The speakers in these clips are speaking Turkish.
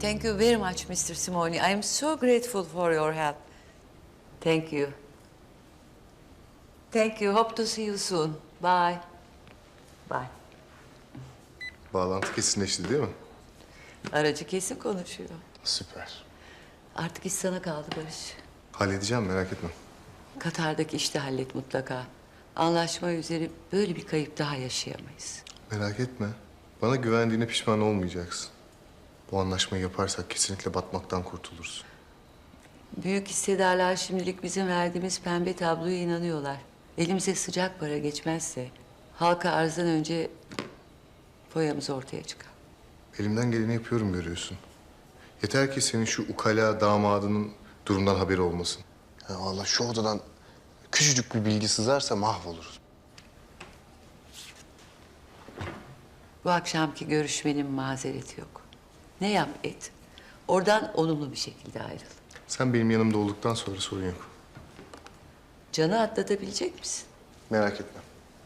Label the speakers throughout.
Speaker 1: Thank you very much, Mr. Simoni. I am so grateful for your help. Thank you. Thank you. Hope to see you soon. Bye. Bye.
Speaker 2: Bağlantı kesinleşti değil mi?
Speaker 1: Aracı kesin konuşuyor.
Speaker 2: Süper.
Speaker 1: Artık iş sana kaldı Barış.
Speaker 2: Halledeceğim, merak etme.
Speaker 1: Katar'daki işi de hallet mutlaka. Anlaşma üzere böyle bir kayıp daha yaşayamayız.
Speaker 2: Merak etme. Bana güvendiğine pişman olmayacaksın. Bu anlaşmayı yaparsak kesinlikle batmaktan kurtuluruz.
Speaker 1: Büyük hissedarlar şimdilik bizim verdiğimiz pembe tabloya inanıyorlar. Elimize sıcak para geçmezse halka arzdan önce foyamız ortaya çıkar.
Speaker 2: Elimden geleni yapıyorum görüyorsun. Yeter ki senin şu ukala damadının durumdan haberi olmasın. Ya vallahi şu odadan küçücük bir bilgi sızarsa mahvoluruz.
Speaker 1: Bu akşamki görüşmenin mazereti yok. Ne yap et. Oradan olumlu bir şekilde ayrıl.
Speaker 2: Sen benim yanımda olduktan sonra sorun yok.
Speaker 1: Canı atlatabilecek misin?
Speaker 2: Merak etme.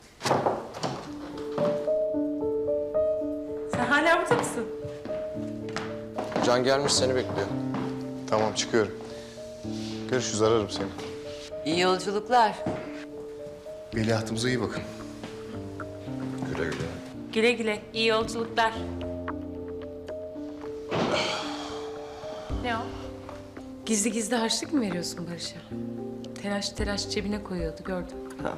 Speaker 3: Sen hala burada mısın?
Speaker 4: Can gelmiş seni bekliyor.
Speaker 2: Tamam, çıkıyorum. Görüşürüz, ararım seni.
Speaker 1: İyi yolculuklar.
Speaker 2: Veliahtımıza iyi bakın.
Speaker 4: Güle güle.
Speaker 3: Güle güle. İyi yolculuklar. Ne o? Gizli gizli harçlık mı veriyorsun Barış'a? Telaş telaş cebine koyuyordu gördüm.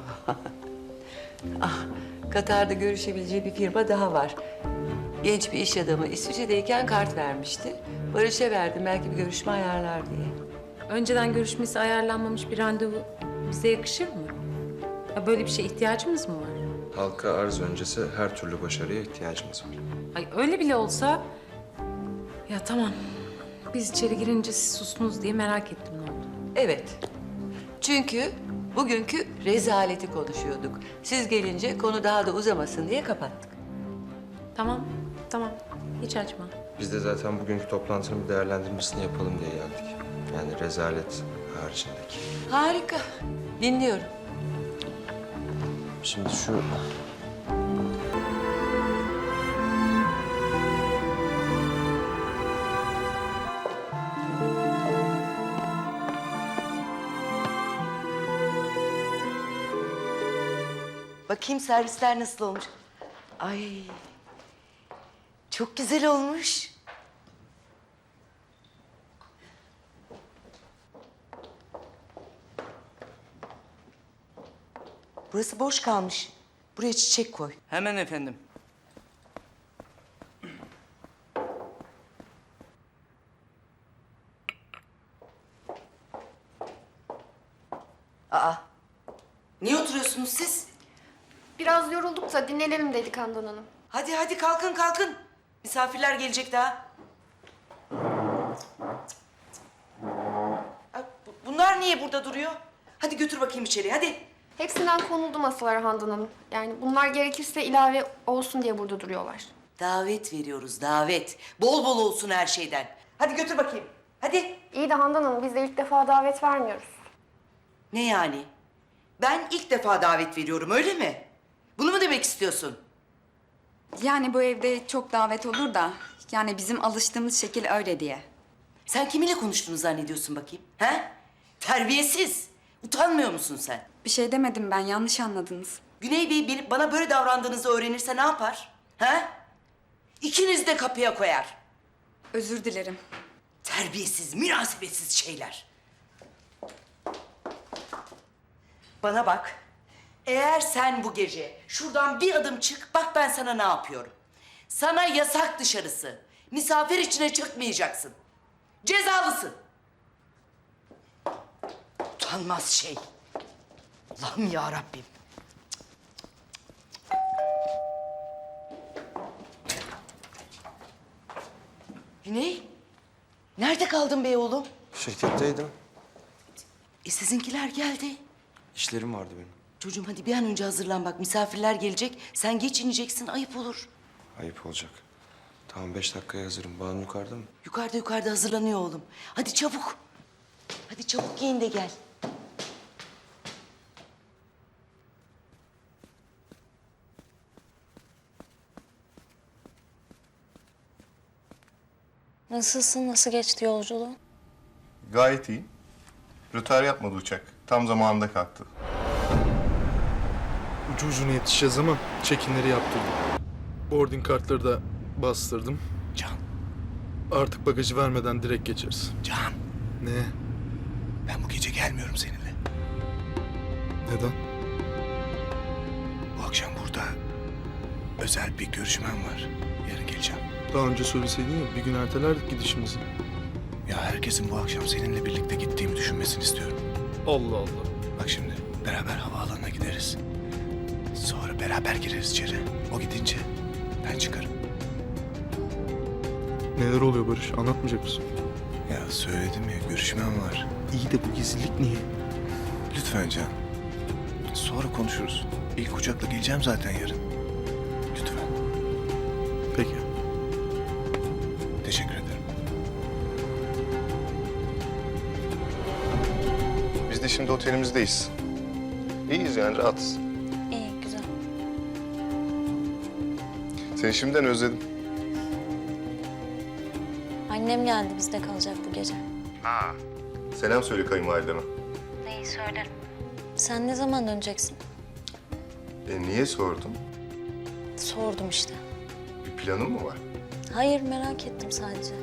Speaker 1: Katar'da görüşebileceği bir firma daha var. Genç bir iş adamı İsviçre'deyken kart vermişti. Barış'a verdim belki bir görüşme ayarlar diye.
Speaker 3: Önceden görüşmesi ayarlanmamış bir randevu bize yakışır mı? Ya böyle bir şeye ihtiyacımız mı var?
Speaker 4: Halka arz öncesi her türlü başarıya ihtiyacımız var.
Speaker 3: Ay öyle bile olsa... Ya tamam. Biz içeri girince siz sustunuz diye merak ettim ne oldu.
Speaker 1: Evet. Çünkü bugünkü rezaleti konuşuyorduk. Siz gelince konu daha da uzamasın diye kapattık.
Speaker 3: Tamam, tamam. Hiç açma.
Speaker 4: Biz de zaten bugünkü toplantının bir değerlendirmesini yapalım diye geldik. Yani rezalet haricindeki.
Speaker 1: Harika. Dinliyorum.
Speaker 4: Şimdi şu...
Speaker 5: Bakayım servisler nasıl olmuş. Ay, çok güzel olmuş. Burası boş kalmış. Buraya çiçek koy.
Speaker 6: Hemen efendim.
Speaker 5: Aa, niye oturuyorsunuz siz?
Speaker 7: Biraz yorulduk da dinlenelim dedik Handan Hanım.
Speaker 5: Hadi hadi kalkın kalkın. Misafirler gelecek daha. Bunlar niye burada duruyor? Hadi götür bakayım içeri hadi.
Speaker 7: Hepsinden konuldu masalara Handan Hanım. Yani bunlar gerekirse ilave olsun diye burada duruyorlar.
Speaker 5: Davet veriyoruz davet. Bol bol olsun her şeyden. Hadi götür bakayım. Hadi.
Speaker 7: İyi de Handan Hanım biz de ilk defa davet vermiyoruz.
Speaker 5: Ne yani? Ben ilk defa davet veriyorum öyle mi? Bunu mu demek istiyorsun?
Speaker 8: Yani bu evde çok davet olur da yani bizim alıştığımız şekil öyle diye.
Speaker 5: Sen kiminle konuştuğunu zannediyorsun bakayım? He? Terbiyesiz. Utanmıyor musun sen?
Speaker 8: Bir şey demedim ben, yanlış anladınız.
Speaker 5: Güney Bey bana böyle davrandığınızı öğrenirse ne yapar? He? İkiniz de kapıya koyar.
Speaker 8: Özür dilerim.
Speaker 5: Terbiyesiz, münasebetsiz şeyler. Bana bak. Eğer sen bu gece şuradan bir adım çık, bak ben sana ne yapıyorum. Sana yasak dışarısı. Misafir içine çıkmayacaksın. Cezalısın. Utanmaz şey. Allah'ım ya Rabbim. Güney, nerede kaldın be oğlum?
Speaker 4: Şirketteydim.
Speaker 5: Sizinkiler geldi.
Speaker 4: İşlerim vardı benim.
Speaker 5: Çocuğum hadi bir an önce hazırlan bak. Misafirler gelecek. Sen geç ineceksin, ayıp olur.
Speaker 4: Ayıp olacak. Tamam 5 dakikaya hazırım. Banu yukarıda mı?
Speaker 5: Yukarıda hazırlanıyor oğlum. Hadi çabuk. Hadi çabuk giyin de gel.
Speaker 6: Nasılsın? Nasıl geçti yolculuğun?
Speaker 2: Gayet iyi. Rötar yapmadı uçak. Tam zamanında kalktı.
Speaker 9: Ucu ucuna yetişeceğiz ama check-in'leri yaptırdım. Boarding kartları da bastırdım.
Speaker 10: Can,
Speaker 9: Artık bagajı vermeden direkt geçeriz.
Speaker 10: Can.
Speaker 9: Ne?
Speaker 10: Ben bu gece gelmiyorum seninle.
Speaker 9: Neden?
Speaker 10: Bu akşam burada özel bir görüşmem var. Yarın geleceğim.
Speaker 9: Daha önce söyleseydin ya, bir gün ertelerdik gidişimizi.
Speaker 10: Ya herkesin bu akşam seninle birlikte gittiğimi düşünmesini istiyorum.
Speaker 9: Allah Allah.
Speaker 10: Bak şimdi beraber havaalanına gideriz. Sonra beraber gireriz içeri. O gidince ben çıkarım.
Speaker 9: Neler oluyor Barış? Anlatmayacak mısın?
Speaker 10: Ya söyledim ya, görüşmem var.
Speaker 9: İyi de bu gizlilik niye?
Speaker 10: Lütfen Can. Sonra konuşuruz. İlk uçakla geleceğim zaten yarın. Lütfen.
Speaker 9: Peki.
Speaker 10: Teşekkür ederim.
Speaker 2: Biz de şimdi otelimizdeyiz. İyiyiz yani, rahatız.
Speaker 6: İyi, güzel.
Speaker 2: Seni şimdiden özledim.
Speaker 6: Annem geldi, bizde kalacak bu gece.
Speaker 2: Selam söyle kayınvalideme.
Speaker 6: Neyi söylerim? Sen ne zaman döneceksin?
Speaker 2: Niye sordun?
Speaker 6: Sordum işte.
Speaker 2: Bir planın mı var?
Speaker 6: Hayır, merak ettim sadece.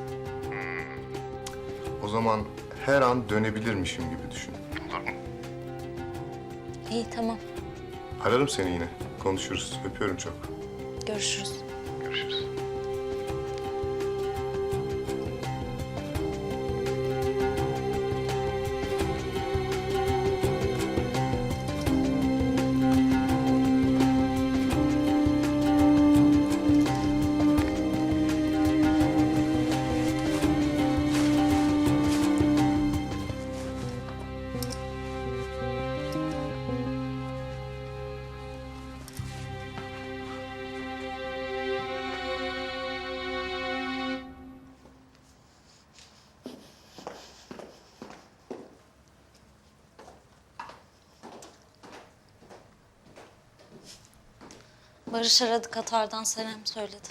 Speaker 2: O zaman her an dönebilirmişim gibi düşün. Olur mu?
Speaker 6: İyi, tamam.
Speaker 2: Ararım seni yine. Konuşuruz. Öpüyorum çok.
Speaker 6: Görüşürüz.
Speaker 2: Görüşürüz.
Speaker 6: Barış aradı, Katar'dan selam söyledi.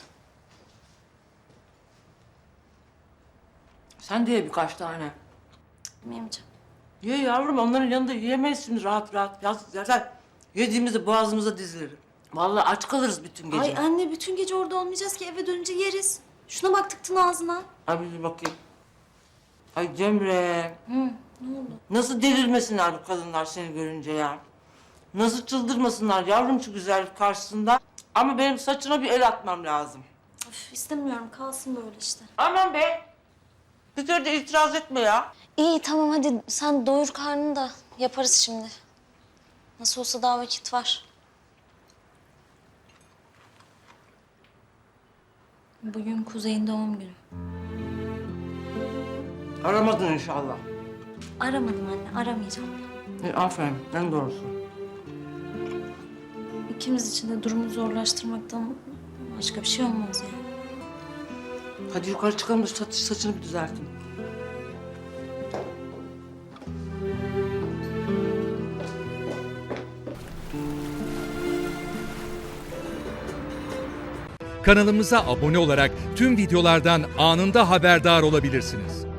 Speaker 11: Sen de ye birkaç tane.
Speaker 6: Yemeyeceğim.
Speaker 11: Ye yavrum, onların yanında yiyemeyiz şimdi rahat rahat. Zaten yediğimizde boğazımıza dizilir. Vallahi aç kalırız bütün gece.
Speaker 6: Ay anne, bütün gece orada olmayacağız ki, eve dönünce yeriz. Şuna bak, tıktın ağzına.
Speaker 11: Ay bir bakayım. Ay Cemre.
Speaker 6: Ne oldu?
Speaker 11: Nasıl delirmesinler bu kadınlar seni görünce ya. Nasıl çıldırmasınlar yavrum şu güzellik karşısında. Ama benim saçına bir el atmam lazım.
Speaker 6: Üf, istemiyorum, kalsın böyle işte.
Speaker 11: Aman be. Bir kere de itiraz etme ya.
Speaker 6: İyi, tamam, hadi sen doyur karnını da yaparız şimdi. Nasıl olsa daha vakit var. Bugün Kuzey'in doğum günü.
Speaker 11: Aramadın inşallah.
Speaker 6: Aramadım anne, aramayacağım.
Speaker 11: Aferin, en doğrusu.
Speaker 6: İkimiz için de durumu zorlaştırmaktan başka bir şey olmaz yani.
Speaker 11: Hadi yukarı çıkalım da saçını bir düzelteyim.
Speaker 12: Kanalımıza abone olarak tüm videolardan anında haberdar olabilirsiniz.